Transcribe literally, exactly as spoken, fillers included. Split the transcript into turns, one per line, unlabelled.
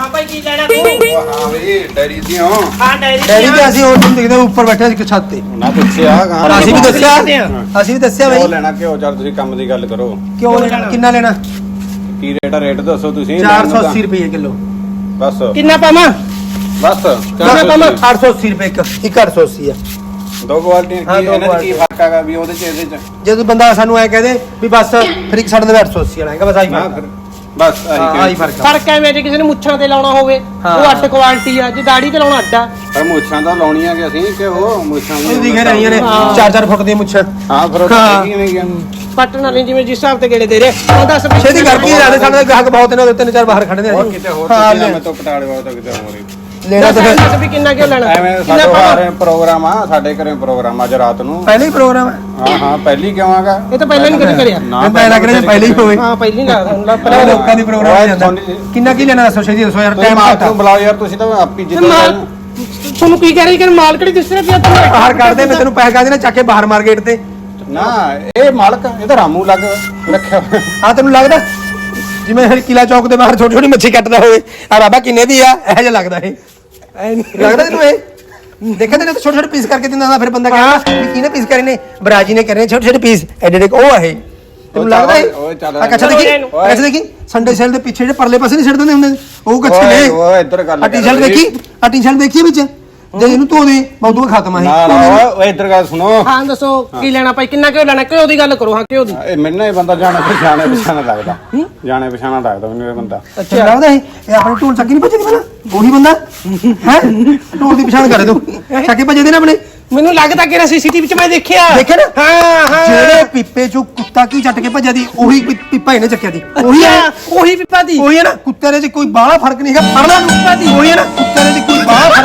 ਹਾਂ ਭਾਈ ਕੀ ਲੈਣਾ ਤੂੰ?
ਹਾਂ ਬਈ ਡੈਰੀ ਦੀ ਹਾਂ
ਹਾਂ ਡੈਰੀ
ਡੈਡੀ ਤੇ ਅਸੀਂ ਉਹ ਦੇਖਦੇ ਉੱਪਰ ਬੈਠੇ ਇੱਕ ਛੱਤ ਤੇ
ਨਾ ਪੁੱਛਿਆ
ਪਰ ਅਸੀਂ ਵੀ ਦੱਸਿਆ ਅਸੀਂ ਵੀ ਦੱਸਿਆ
ਕਿਉਂ
ਬਈ
ਲੈਣਾ ਕਿਉਂ ਚੱਲ ਤੁਸੀਂ ਕੰਮ ਦੀ ਗੱਲ ਕਰੋ
ਕਿਉਂ ਲੈਣਾ ਕਿੰਨਾ ਲੈਣਾ
ਕੀ ਰੇਟ ਆ ਰੇਟ ਦੱਸੋ ਤੁਸੀਂ
ਚਾਰ ਸੌ ਅੱਸੀ ਰੁਪਏ ਕਿਲੋ
ਬਸ
ਕਿੰਨਾ ਪਾਵਾਂ?
ਬਸ
ਕਿੰਨਾ ਪਾਵਾਂ ਅੱਠ ਸੌ ਅੱਸੀ ਰੁਪਏ ਇੱਕ ਇੱਕ ਅੱਠ ਸੌ ਅੱਸੀ ਆ
ਦੋ ਕੁਆਲਟੀਆਂ
ਹਾਂ,
ਕੀ
ਦੋ
ਇਹਨਾਂ ਦਾ ਕੀ
ਕੁਆਲਟੀਆਂ।
ਫਰਕ ਹੈਗਾ ਵੀ ਉਹਦੇ ਚ ਇਹਦੇ ਚ
ਜਦੋਂ ਬੰਦਾ ਸਾਨੂੰ ਐ ਕਹਦੇ ਵੀ ਬਸ ਫਿਰ ਇੱਕ ਸਾਡੇ ਦੇ ਅੱਠ ਸੌ ਅੱਸੀ ਵਾਲਾ ਹੈਗਾ ਬਸ ਆਹੀ
ਨਾ
ਫਰਕ
ਫਿਰ ਬਸ
ਆ।
ਆਹੀ
ਆਹੀ
ਫਰਕ
ਫਰਕ ਆ।
ਫਰਕ ਐਵੇਂ ਜੇ ਕਿਸੇ ਨੇ ਮੁੱਛਾਂ ਤੇ ਲਾਉਣਾ ਹੋਵੇ
ਹਾਂ।
ਉਹ ਅੱਡ ਕੁਆਲਿਟੀ ਆ, ਜੇ ਦਾੜੀ ਤੇ ਲਾਉਣਾ ਅੱਡਾ।
ਪਰ ਮੁੱਛਾਂ ਤਾਂ ਲਾਉਣੀਆਂ ਕਿ ਅਸੀਂ ਕਿ ਉਹ ਮੁੱਛਾਂ
ਇਹ ਦਿਖੇ ਰਹੀਆਂ ਨੇ
ਹਾਂ।
ਚਾਰ ਚਾਰ ਫੁੱਟ ਦੀਆਂ ਮੁੱਛਾਂ
ਹਾਂ ਫਿਰ ਉਹ
ਹਾਂ।
ਤਾਂ ਕਿਵੇਂ ਗਿਆ
ਪੱਟਣ ਵਾਲੇ ਜਿਵੇਂ ਜਿਸ ਹਿਸਾਬ ਤੇ ਗੇੜੇ ਦੇ ਰਹੇ ਉਹ ਦੱਸ ਵੀ
ਛੇਤੀ ਕਰਕੇ ਜਾਂਦੇ ਸਾਡੇ ਗਾਹਕ ਬਹੁਤ ਨੇ ਉਹਦੇ ਤਿੰਨ ਚਾਰ ਬਾਹਰ ਖੜੇ ਨੇ
ਹੋਰ ਕਿਤੇ ਹੋਰ
ਹਾਂ,
ਕਿਤੇ ਮੈਂ ਤੋਂ ਪਟਾਲੇ ਵਾਲਾ ਤਾਂ ਕਿਤੇ ਹੋਰ ਹੀ
ਲੈਣਾ
ਦੱਸ
ਤਾਂ ਫਿਰ
ਦੱਸ ਵੀ ਕਿੰਨਾ ਕਿਉਂ ਲੈਣਾ?
ਐਵੇਂ
ਕਿੰਨਾ
ਸਾਡੇ
ਪਾਵਾਂ?
ਘਰੇ ਪ੍ਰੋਗਰਾਮ ਆ ਸਾਡੇ ਘਰੇ ਪ੍ਰੋਗਰਾਮ ਅੱਜ ਰਾਤ ਨੂੰ
ਪਹਿਲੇ ਹੀ ਪ੍ਰੋਗਰਾਮ ਹੈ
ਹਾਂ ਹਾਂ ਪਹਿਲੀ ਕਿਉਂ ਆਗਾ
ਇਹ ਤਾਂ ਪਹਿਲਾਂ ਨਹੀਂ ਕਦੇ ਕਰਿਆ।
ਮੈਂ ਤਾਂ ਲੱਗ ਰਿਹਾ ਪਹਿਲੇ ਹੀ ਹੋਵੇ
ਹਾਂ ਪਹਿਲੀ ਨਾ ਹੁੰਦਾ
ਪਹਿਲਾਂ
ਪਰ
ਲੋਕਾਂ ਦੀ ਪ੍ਰੋਗਰਾਮ
ਓਏ
ਜਾਂਦਾ
ਸੋਨੀ-
ਕਿੰਨਾ ਕੀ ਲੈਣਾ ਦੱਸੋ ਛੇਤੀ ਦੱਸੋ ਯਾਰ
ਤੁਸੀਂ
ਟਾਈਮ
ਮਾਲਕ
ਘੱਟ ਆ।
ਨੂੰ ਬੁਲਾਓ ਯਾਰ ਤੁਸੀਂ ਤਾਂ ਆਪੀ ਜਿੱਦ
ਮਾਲ ਤੁਹਾਨੂੰ ਕੀ ਕਹਿ ਰਹੀ ਕਿ ਮਾਲ ਕਿਹੜੀ ਦਿਸ ਰਿਹਾ ਪਿਆ ਤੂੰ?
ਬਾਹਰ ਕੱਢਦੇ ਮੈਂ ਤੈਨੂੰ ਪੈਸੇ ਕਾ ਦੇਣਾ ਚੱਕ ਕੇ ਬਾਹਰ ਮਾਰਕੀਟ ਤੇ
ਨਾ ਇਹ ਮਾਲਕ ਇਹ ਤਾਂ ਰਾਮੂ ਲੱਗ ਰੱਖਿਆ ਹੋਇਆ।
ਆ ਤੈਨੂੰ ਲੱਗਦਾ ਜਿਵੇਂ ਹਰ ਕਿਲਾ ਚੌਕ ਦੇ ਬਾਹਰ ਛੋਟੀ ਛੋਟੀ ਮੱਛੀ ਕੱਟਦਾ ਹੋਵੇ ਆ ਬਾਬਾ ਕਿੰਨੇ ਦੀ ਆ ਇਹੋ ਜਿਹਾ ਲੱਗਦਾ ਇਹ ਐ ਨਹੀਂ ਲੱਗਦਾ ਤੈਨੂੰ ਇਹ ਦੇਖਿਆ ਤੈਨੂੰ ਛੋਟੇ ਛੋਟੇ ਪੀਸ ਕਰਕੇ ਦਿੰਦਾ ਹੁੰਦਾ ਫਿਰ ਬੰਦਾ ਕਹਿੰਦਾ ਵੀ ਕਿਹਨੇ ਪੀਸ ਕਰੇ ਨੇ ਬਰਾਜੀ ਨੇ ਕਰੇ ਛੋਟੇ ਛੋਟੇ ਪੀਸ ਐਡੇ ਐਡੇ ਉਹ ਆ ਇਹ ਤੈਨੂੰ ਲੱਗਦਾ ਇਹ
ਓਏ ਚੱਲ
ਆ ਕੱਛਾ ਦੇਖੀ
ਓਏ।
ਕੱਛਾ ਦੇਖੀ ਸੰਡੇ ਸੇਲ ਦੇ ਪਿੱਛੇ ਜਿਹੜੇ ਪਰਲੇ ਪਾਸੇ ਨਹੀਂ ਛੱਡ ਦਿੰਦੇ ਹੁੰਦੇ ਉਹ ਕੱਛੇ
ਓਏ
ਨੇ
ਓਏ ਇੱਧਰ ਗੱਲ
ਆ ਟੀ-ਸ਼ਰਟ
ਕਰ
ਦੇਖੀ ਆ ਟੀ-ਸ਼ਰਟ ਦੇਖੀ ਵਿੱਚ ਜੇ ਇਹਨੂੰ ਧੋ ਦੇ ਮੌਦੂ ਖਤਮ ਆ
ਨਾ ਨਾ ਓਏ ਓਏ ਇੱਧਰ ਗੱਲ ਸੁਣੋ
ਹਾਂ ਦੱਸੋ ਕੀ ਲੈਣਾ ਭਾਈ ਕਿੰਨਾ ਕਿਉਂ ਲੈਣਾ? ਕਿਉਂ ਦੀ ਗੱਲ ਕਰੋ ਹਾਂ ਕਿਉਂ ਦੀ?
ਇਹ ਮੈਨੂੰ ਇਹ ਬੰਦਾ ਜਾਣੇ ਪਛਾਣੇ ਪਛਾਣਾ ਲੱਗਦਾ ਜਾਣੇ ਪਛਾਣਾ ਲੱਗਦਾ ਮੈਨੂੰ ਇਹ ਬੰਦਾ
ਅੱਛਾ ਲੱਗਦਾ ਇਹ ਇਹ ਆਪਣੇ ਢੋਲ ਚੱਕੀ ਨਹੀਂ ਭੱਜਦੀ ਪਹਿਲਾਂ ਉਹੀ ਬੰਦਾ ਹੈ ਢੋਲ ਦੀ ਪਛਾਣ ਕਰੇ ਤੂੰ ਚੱਕੀ ਭੱਜਦੇ ਨੇ ਆਪਣੇ
ਮੈਨੂੰ ਲੱਗਦਾ ਕਿ ਸੀਸੀਟੀਵੀ ਚ ਮੈਂ ਦੇਖਿਆ।
ਦੇਖਿਆ ਨਾ
ਹਾਂ ਹਾਂ
ਜਿਹੜੇ ਪੀਪੇ ਚੋਂ ਕੁੱਤਾ ਕੀ ਚੱਟ ਕੇ ਭੱਜਿਆ ਦੀ ਉਹੀ ਪੀ- ਪੀਪਾ ਇਹਨੇ ਚੱਕਿਆ ਦੀ ਉਹੀ ਹੈ
ਉਹੀ ਪਿੱਪਾ ਦੀ।
ਉਹੀ ਹੈ ਨਾ ਕੁੱਤੇ ਦੇ ਚ ਕੋਈ ਬਾਹਲਾ ਫਰਕ ਨਹੀਂ ਹੈਗਾ ਫੜਨਾ ਨੂੰ ਉਹੀ ਹੈ ਨਾ ਕੁੱਤੇ ਦੇ ਚ ਕੋਈ ਬਾਹਲਾ